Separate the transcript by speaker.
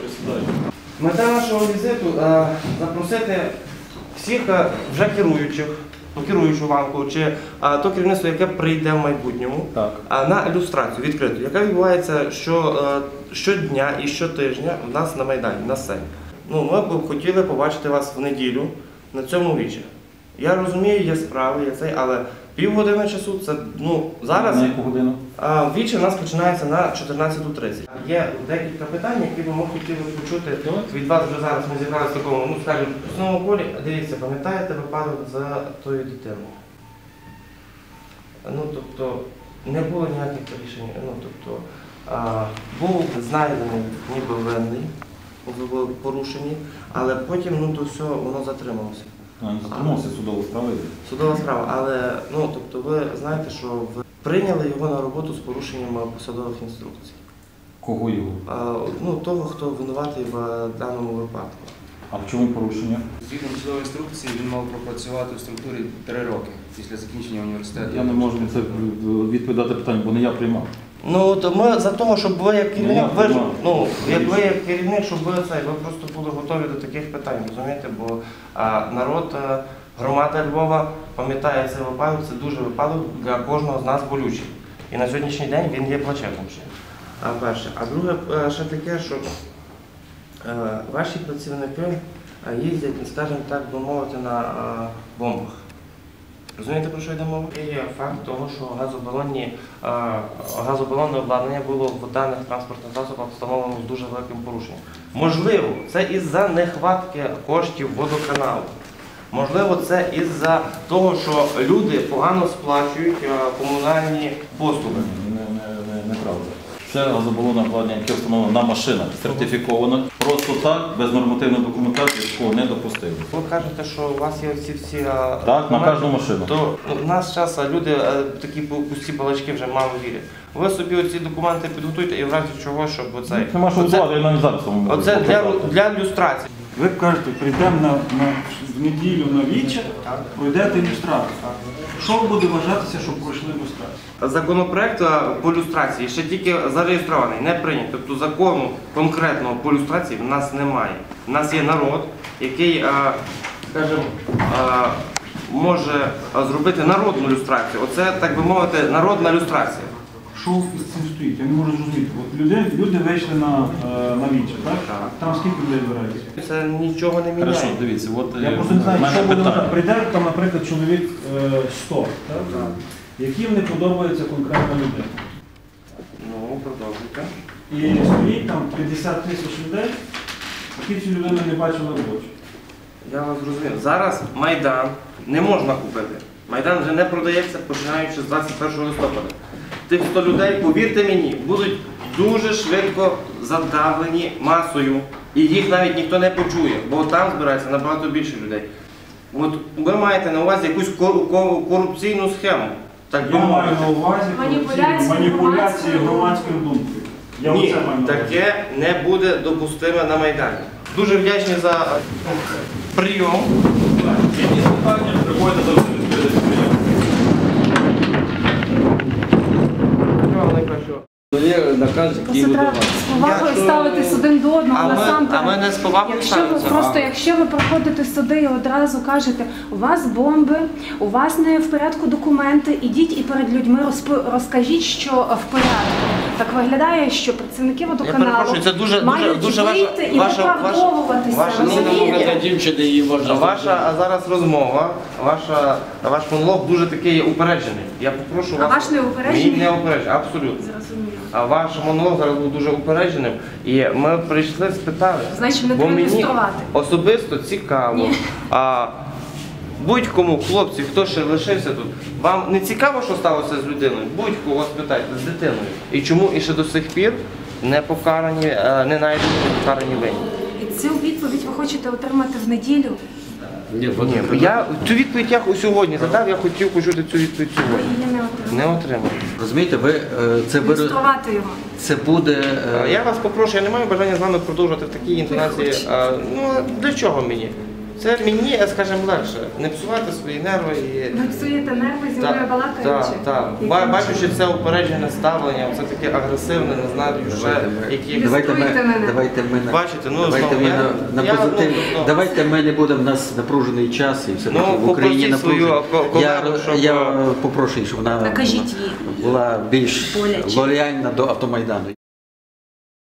Speaker 1: Мета нашого візиту запросити всіх вже керуючу ланку, чи то керівництво, яке прийде в майбутньому, на ілюстрацію відкриту, яка відбувається щодня і щотижня в нас на Майдані, на сцені. Ми б хотіли побачити вас в неділю на цьому вічі. Я розумію, є справи, але півгодини часу це, зараз…
Speaker 2: На яку годину?
Speaker 1: Вічі у нас починається на 14:30. Є декілька питань, які ми хотіли почути від вас вже зараз. Ми зібралися в такому, скажімо, основному полі. Дивіться, пам'ятаєте випадок за тою дитиною? Тобто, не було ніяких рішень. Був знайдений ніби винний в порушенні, але потім то все, воно затрималося.
Speaker 2: Затримався, судова справа йде.
Speaker 1: Судова справа, але ви знаєте, що ви прийняли його на роботу з порушенням посадових інструкцій.
Speaker 2: Кого його?
Speaker 1: Того, хто винуватий в даному випадку.
Speaker 2: А в чому порушення?
Speaker 3: Згідно посадової інструкції, він мав пропрацювати в структурі 3 роки після закінчення університету.
Speaker 2: Я не можу на це відповідати питання, бо не я приймав.
Speaker 1: То ми за того, щоб ви як керівник, щоб ви просто були готові до таких питань, розумієте? Бо народ, громада Львова пам'ятає цей випадок, це дуже випадок для кожного з нас болючий. І на сьогоднішній день він є плачевним ще. Перше. А друге, ще таке, що ваші працівники їздять, скажімо так би мовити, на бомбах. Розумієте, про що йде мова? Є факт того, що газобалонне обладнання було в даних транспортних засобах встановлено з дуже великим порушенням. Можливо, це із-за нехватки коштів водоканалу. Можливо, це із-за того, що люди погано сплачують комунальні послуги.
Speaker 2: Неправда. Це газобалонне обладнання, яке встановлено на машинах, сертифіковано. Просто так, без нормативної документації, такого не допустили.
Speaker 1: Ви кажете, що у вас є всі…
Speaker 2: Так, на кожну машину.
Speaker 1: То в нас час люди такі пусті балачки вже мало вірять. Ви собі оці документи підготуйте і в разі чого, щоб оцей…
Speaker 2: Нема що готувати, я навіть зараз вам можу.
Speaker 1: Оце для ілюстрації.
Speaker 4: Ви кажете, прийдемо в неділю на віче, пройдете ілюстрацію. Що буде вважатися, щоб пройшли ілюстрацію?
Speaker 1: Законопроект по ілюстрації ще тільки зареєстрований, не прийнятий. Тобто закону конкретного по ілюстрації в нас немає. У нас є народ, який, скажімо, може зробити народну ілюстрацію. Оце, так би мовити, народна ілюстрація.
Speaker 4: Що з цим стоїть? Я не можу зрозуміти. От люди вийшли на віче, так? Там скільки людей збирається?
Speaker 1: Це нічого не міняє.
Speaker 2: Хорошо, дивіться, от
Speaker 4: Я просто не знаю, що буде вважати. Прийде там, наприклад, чоловік 100, так? Яким не подобається конкретна людина.
Speaker 1: Продовжуйте.
Speaker 4: І стоїть там 50 тисяч людей, які цю людину не бачили в очі.
Speaker 1: Я вас зрозумів. Зараз Майдан не можна купити. Майдан вже не продається, починаючи з 21 листопада. Тих 100 людей, повірте мені, будуть дуже швидко задавлені масою. І їх навіть ніхто не почує, бо там збирається набагато більше людей. От ви маєте на увазі якусь корупційну схему. Так би
Speaker 4: Я маю
Speaker 1: мовити.
Speaker 4: на увазі маніпуляції громадською думкою.
Speaker 1: Ні, таке не буде допустиме на Майдані. Дуже вдячні за прийом.
Speaker 2: Які питання приходять до відповідати прийом.
Speaker 5: Є наказ, який видавати.
Speaker 6: З повагою ставитись один до одного, насамперед.
Speaker 1: А ми не з повагою ставимося.
Speaker 6: Просто якщо ви проходите суди і одразу кажете, у вас бомби, у вас не в порядку документи, ідіть і перед людьми розкажіть, що в порядку. Так виглядає, що працівники водоканалу мають вийти і виправдовуватися.
Speaker 5: Для дівчини її можна.
Speaker 1: Ваша зараз розмова, ваш монолог дуже такий упереджений. Я попрошу вас…
Speaker 6: А ваш не упереджений?
Speaker 1: Мій не упереджений, абсолютно.
Speaker 6: Зрозуміло.
Speaker 1: А ваш монолог зараз був дуже упередженим. І ми прийшли спитали.
Speaker 6: Значить, не
Speaker 1: бо
Speaker 6: треба
Speaker 1: мені
Speaker 6: ілюструвати.
Speaker 1: особисто цікаво. Будь-кому, хлопці, хто ще лишився тут, вам не цікаво, що сталося з людиною? Будь-кого спитайте, з дитиною. І чому і ще до сих пір не покарані, не знайдені, не покарані винні?
Speaker 6: І цю відповідь ви хочете отримати в неділю?
Speaker 1: Ні, цю відповідь я сьогодні задав, я хотів почути цю відповідь сьогодні.
Speaker 6: Ви її не
Speaker 1: Не отримав.
Speaker 5: Розумієте,
Speaker 6: ілюструвати його.
Speaker 5: це буде…
Speaker 1: Я вас попрошу, я не маю бажання з вами продовжувати в такій інтонації. Для чого мені? Це мені, скажімо, легше. Не псувати свої нерви і.
Speaker 6: Ви псуєте нерви зі мною балакаючи?
Speaker 1: Так. Бачучи це упереджене ставлення, це таке агресивне, не знаю, ще які.
Speaker 6: Давайте ми-
Speaker 7: Давайте ми на
Speaker 1: Бачите, ну
Speaker 7: давайте
Speaker 1: знову
Speaker 7: ми
Speaker 1: я-
Speaker 7: на
Speaker 1: я,
Speaker 7: позитив.
Speaker 1: ну,
Speaker 7: Давайте ми не будемо, в нас напружений час і все
Speaker 1: Ну,
Speaker 7: таки в Україні
Speaker 1: попросіть свою
Speaker 7: напружений.
Speaker 1: колегу, щоб-
Speaker 7: Я попрошу, щоб вона
Speaker 6: Накажіть їй.
Speaker 7: була більш
Speaker 6: Боляче.
Speaker 7: лояльна до Автомайдану.